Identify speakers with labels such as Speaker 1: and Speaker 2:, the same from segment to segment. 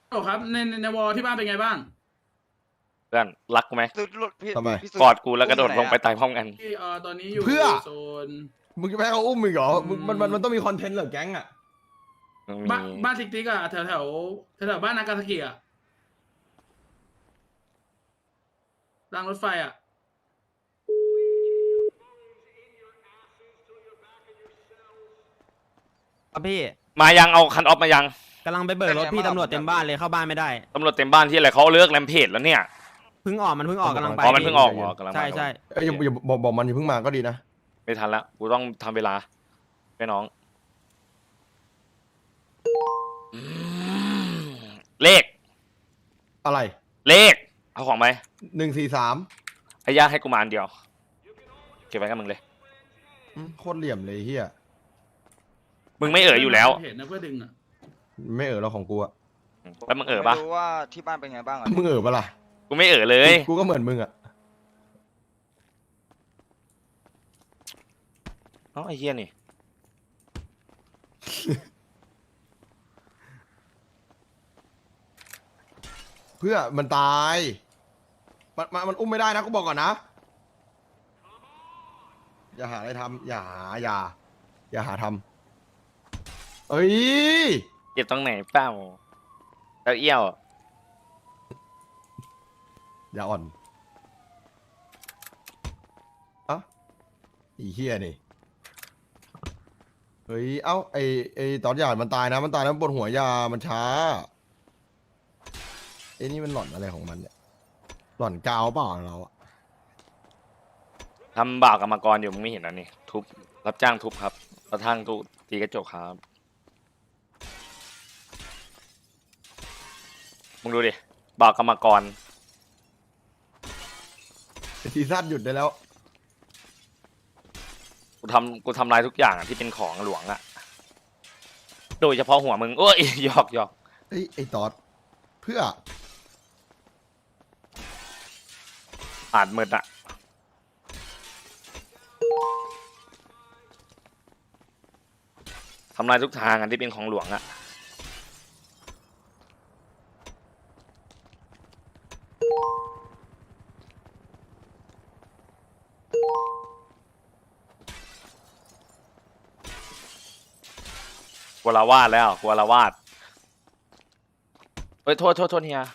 Speaker 1: โอ้ครับในวอลที่บ้านเป็นไงบ้าง
Speaker 2: เพื่อนรักกูไหม
Speaker 3: พี่
Speaker 4: ทำไม
Speaker 3: พี่สุ
Speaker 2: กอดกูแล้วกระโดดลงไป
Speaker 3: อุ้มอยู่หนอะ
Speaker 2: ตายพร้อมกัน
Speaker 1: ที่ตอนนี้อยู่
Speaker 4: เพื่อ
Speaker 1: โซน
Speaker 4: มึงจะไปให้เขาอุ้มมึงเหรอ
Speaker 1: อืม
Speaker 4: มันต้องมีคอนเทนต์เหรอแก๊งอ่ะ
Speaker 2: มี
Speaker 1: บ้านติ๊กติ๊กอะแถวบ้านนากาซากิอะรางรถไฟอะ
Speaker 5: ครับพี่
Speaker 2: มายังเอาคันออฟมายัง
Speaker 5: กำลังไปเบิกรถพี่ตำรวจเต็มบ้านเลยเข้าบ้านไม่ได้
Speaker 2: ตำรวจเต็มบ้านที่อะไรเขาเลิกแรมเพจแล้วเนี่ย
Speaker 5: เพิ่งออกมันเพิ่งออกกำลังไป
Speaker 2: อ๋อมันเพิ่งออกเหรอกำลังมา
Speaker 5: ใช่ใช่
Speaker 4: เอ้ยอย่าบอกมันอย่าเพิ่งมาก็ดีนะ
Speaker 2: ไม่ทันละกูต้องทำเวลาให้น้องอืมเลข
Speaker 4: อะไร
Speaker 2: เลขเอาของไหม
Speaker 4: 143
Speaker 2: ไอ้ย่าให้กูมาอันเดียว เก็บไว้กับมึงเลย
Speaker 4: โคตรเหลี่ยมเลยเฮีย
Speaker 2: มึงไม่อยู่แล้ว
Speaker 1: เห็นนะเพื่อดึงอะ
Speaker 4: ไม่เราของกูอะ
Speaker 2: แล้วมึงปะ
Speaker 3: ไม่รู้ว่าที่บ้านเป็นไงบ้างอะ
Speaker 4: มึงปะล่ะ
Speaker 2: กูไม่เลย
Speaker 4: กูก็เหมือนมึงอะ
Speaker 2: เอ้าไอ้เหี้ยนี่
Speaker 4: เพื่อมันตายมันอุ้มไม่ได้นะกูบอกก่อนนะอย่าหาอะไรทำอย่าหาทำเอ้ย
Speaker 2: เจ็บตรงไหนเปล่าแล้วเอี้ยว
Speaker 4: อย่าอ่อนเอ้าอีเฮียนี่เฮ้ยเอ้าไอตอนหยาดมันตายนะมันตายแล้วบนหัวยามันช้าไอ้นี่มันหล่อนอะไรของมันเนี่ยหล่อนกาวเปล่าเราอะ
Speaker 2: ทำบ่าวกรรมกรอยู่มึงไม่เห็นอันนี้ทุบรับจ้างทุบครับกระทั่งทุบตีกระจกครับมึงดูดิบ่าวกรรมกร
Speaker 4: ซีซั่นหยุดได้แล้ว
Speaker 2: กูทำลายทุกอย่างอะที่เป็นของหลวงอะโดยเฉพาะหัวมึงโอ้ยหยอก
Speaker 4: เอ้ยไอ้ตอดเพื่อ
Speaker 2: อ่านมืดอะทำลายทุกทางอันที่เป็นของหลวงอะกัวลาวาดแล้วกัวลาวาดเฮ้ยโทษเฮีย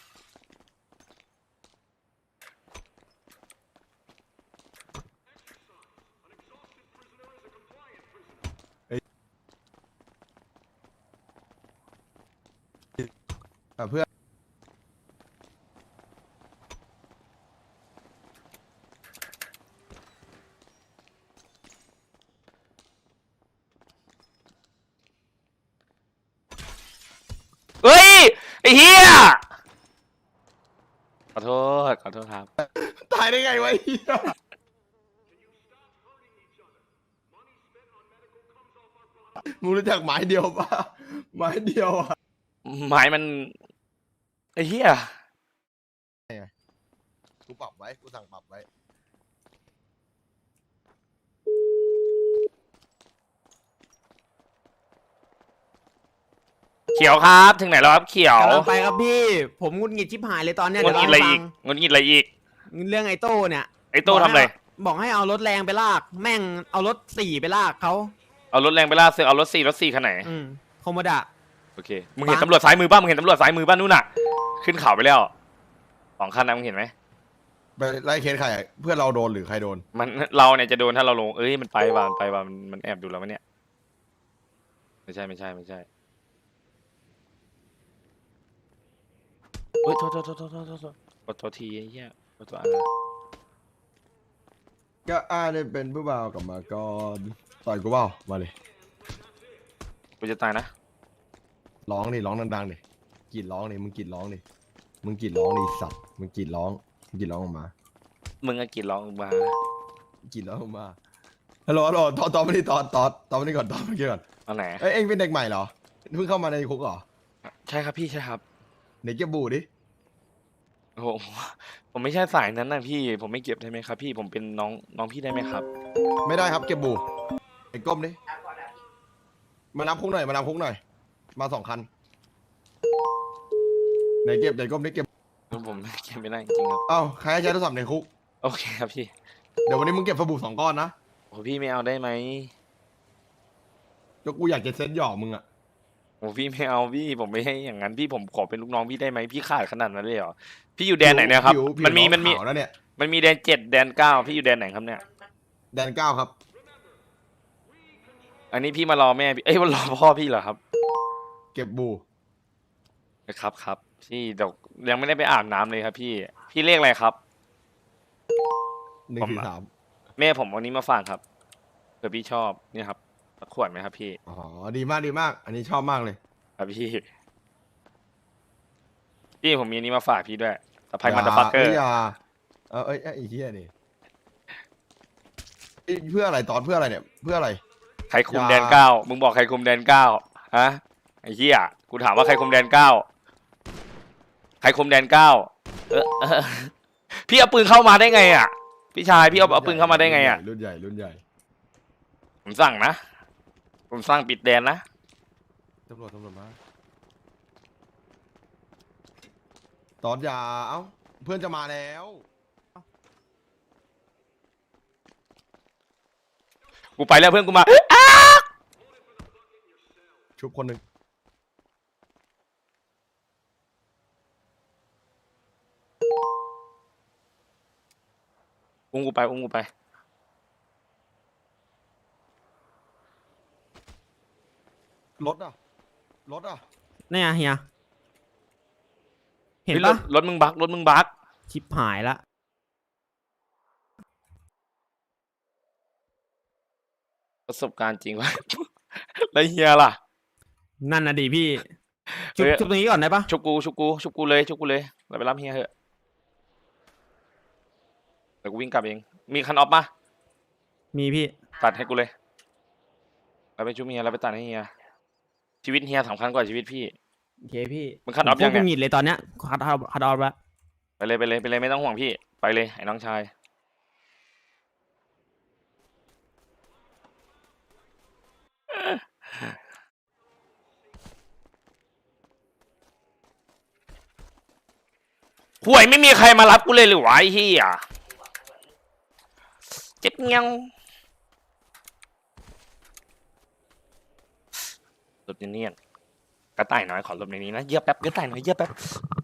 Speaker 4: เพื่อ
Speaker 2: เฮ้ยไอ้เฮียขอโทษครับ
Speaker 4: ตายได้ไงวะไอ้เหี้ยมึงรู้จักไม้เดียวปะไม้เดียวอะ
Speaker 2: ไม้มันไอ้เฮีย
Speaker 4: กูปรับไว้กูสั่งปรับไว้
Speaker 2: เขียวครับถึงไหนแล้วครับเขียว
Speaker 5: กำลังไปครับพี่ ผมงุดหงิดชิบหายเลยตอนเนี้ย
Speaker 2: งด
Speaker 5: เดี๋ยว
Speaker 2: หงิด
Speaker 5: เล่า
Speaker 2: อะไร
Speaker 5: ให้
Speaker 2: อี
Speaker 5: ฟั
Speaker 2: ก
Speaker 5: ง
Speaker 2: งดหงิดอะไรอีก
Speaker 5: เรื่องไอ้โต้เนี่ย
Speaker 2: ไอ้โต้ทำอะไร
Speaker 5: บอกให้เอารถแรงไปลาก แม่งเอารถ4ไปลากเขา
Speaker 2: เอารถแรงไปล่าเสือกเอารถสี่คันไหน
Speaker 5: โคโมดะ
Speaker 2: โอเคมึงเห็นตำรวจซ้ายมือบ้างมึงเห็นตำรวจซ้ายมือบ้างนู่นน่ะ ขึ้นเขาไปแล้ว2 คันนะมึงเห็นไหม
Speaker 4: ไปไล่เคสใครอะเพื่อนเราโดนหรือใครโดน
Speaker 2: มันเราเนี่ยจะโดนถ้าเราลงเอ้ยมันไปว่ามันแอบดูเราไหมเนี่ยไม่ใช่เฮ้ยโทษขอโทษทีไอ้เหี้ยขอโทษอะไร
Speaker 4: ก็เนี่ยเป็นผู้บ่าวกลับมาก่อนต่อยกูเปล่ามาเลย
Speaker 2: กูจะตายนะ
Speaker 4: ร้องดังๆดิกรีดร้องดิมึงกรีดร้องดิมึงกรีดร้องดิสัตว์มึงกรีดร้องออกมา
Speaker 2: มึงก็กินร้องมาก
Speaker 4: รีดร้องออกมาฮัลโหลตอบมาดิตอบมาดิก่อนตอบมาดิก่อน
Speaker 2: เอาไหน
Speaker 4: เอ้ยเอ็งเป็นเด็กใหม่เหรอเพิ่งเข้ามาในคุกเหรอ
Speaker 2: ใช่ครับพี่ใช่ครับ
Speaker 4: ไหนเก็บบูดิ
Speaker 2: โอ้โหผมไม่ใช่สายนั้นนะพี่ผมไม่เก็บได้ไหมครับ พี่ผมเป็นน้องพี่ได้ไหมครับ
Speaker 4: ไม่ได้ครับเก็บบูไอ้ก้มดิมานับคุกหน่อยมา2 คันไหนเก็บไหนก้มได้เก็บ
Speaker 2: ผมเก็บไม่ได้จริงๆครับ
Speaker 4: เอ้าใครให้ใช้โทรศัพท์ในคุก
Speaker 2: โอเคครับพี่
Speaker 4: เดี๋ยววันนี้มึงเก็บสบู่2 ก้อนนะ
Speaker 2: โอ้พี่ไม่เอาได้ไหม
Speaker 4: ก็กูอยากจะเซ็ตหยอกมึงอะ
Speaker 2: โอ้พี่ไม่เอาพี่ผมไม่ให้อย่างนั้นพี่ผมขอเป็นลูกน้องพี่ได้ไหมพี่ขาดขนาดนั้นเลยเหรอพี่อยู่แดนไหนเนี่ยครับ
Speaker 4: ผิว
Speaker 2: มันมี
Speaker 4: ขาวแล้วเนี่ย
Speaker 2: มันมีแดน7 แดน 9พี่อยู่แดนไหนครับเนี่ย
Speaker 4: แดน 9ครับ
Speaker 2: อันนี้พี่มารอแม่พี่เอ้ยมารอพ่อพี่เหรอครับ
Speaker 4: เก็บบู
Speaker 2: ครับพี่เดี๋ยวยังไม่ได้ไปอาบน้ำเลยครับพี่เลขอะไรครับ
Speaker 4: 143
Speaker 2: แม่ผมวันนี้มาฝากครับเผื่อพี่ชอบนี่ครับสักขวดไหมครับพี่
Speaker 4: อ๋อดีมากดีมาก อันนี้ชอบมากเลย
Speaker 2: ครับพี่ผมมีอันนี้มาฝากพี่ด้วยสะพายมันเดอร์ฟักเกอร์
Speaker 4: อย่าเอ้ยไอ้เหี้ยนี่เพื่ออะไรตอนเพื่ออะไรเนี่ยเพื่ออะไร
Speaker 2: ใครคุม
Speaker 4: อย่า
Speaker 2: แดน 9มึงบอกใครคุมแดน 9ฮะไอ้เหี้ยกูถามว่าใครคุมแดน 9ใครคุมแดน 9พี่เอาปืนเข้ามาได้ไงอ่ะพี่ชายพี่เอาปืนเข้ามาได้ไงอ่ะ
Speaker 4: รุ่นใหญ่
Speaker 2: ผมสั่งนะผมสั่งปิดแดนนะ
Speaker 4: ตำรวจมาตอนอย่าเอ้าเพื่อนจะมาแล้ว
Speaker 2: กูไปแล้วเพื่อนกูมา
Speaker 4: ชุบคนหนึ่ง
Speaker 2: อุ้มกูไป
Speaker 4: รถอ่ะ
Speaker 5: เนี่ยเฮียเห็น
Speaker 2: ฮ้ย
Speaker 5: ปะ
Speaker 2: รถมึงบัก
Speaker 5: ชิปหายละ
Speaker 2: ประสบการณ์จริงวะ แล้วเฮียล่ะ
Speaker 5: นั่นน่ะดิพี่ชุบ
Speaker 2: เฮ้ย
Speaker 5: ชุบตรงนี้ก่อนได้ปะ
Speaker 2: ชุบกูเลยเราไปรับเฮียเถอะเดี๋ยวกูวิ่งกลับเองมีคันออฟมา
Speaker 5: มีพี่
Speaker 2: ตัดให้กูเลยเราไปชุบเฮียเราไปตัดให้เฮียชีวิตเฮียสำคัญกว่าชีวิตพี่
Speaker 5: โอเคพี่
Speaker 2: มึงคัดออฟ
Speaker 5: พว
Speaker 2: ยั
Speaker 5: ก
Speaker 2: ง
Speaker 5: กู
Speaker 2: ไง
Speaker 5: หงิดเลยตอนเนี้ยคัดออฟแล้ว
Speaker 2: ไปเลยไม่ต้องห่วงพี่ไปเลยไอ้น้องชายห่วยไม่มีใครมารับกูเลยหรือวะไอ้เหี้ยเจ็บเงี้ยวหลบเนียนๆกระต่ายน้อยขอหลบในนี้นะเยียบแป๊บกระต่ายน้อยเยียบแป๊บ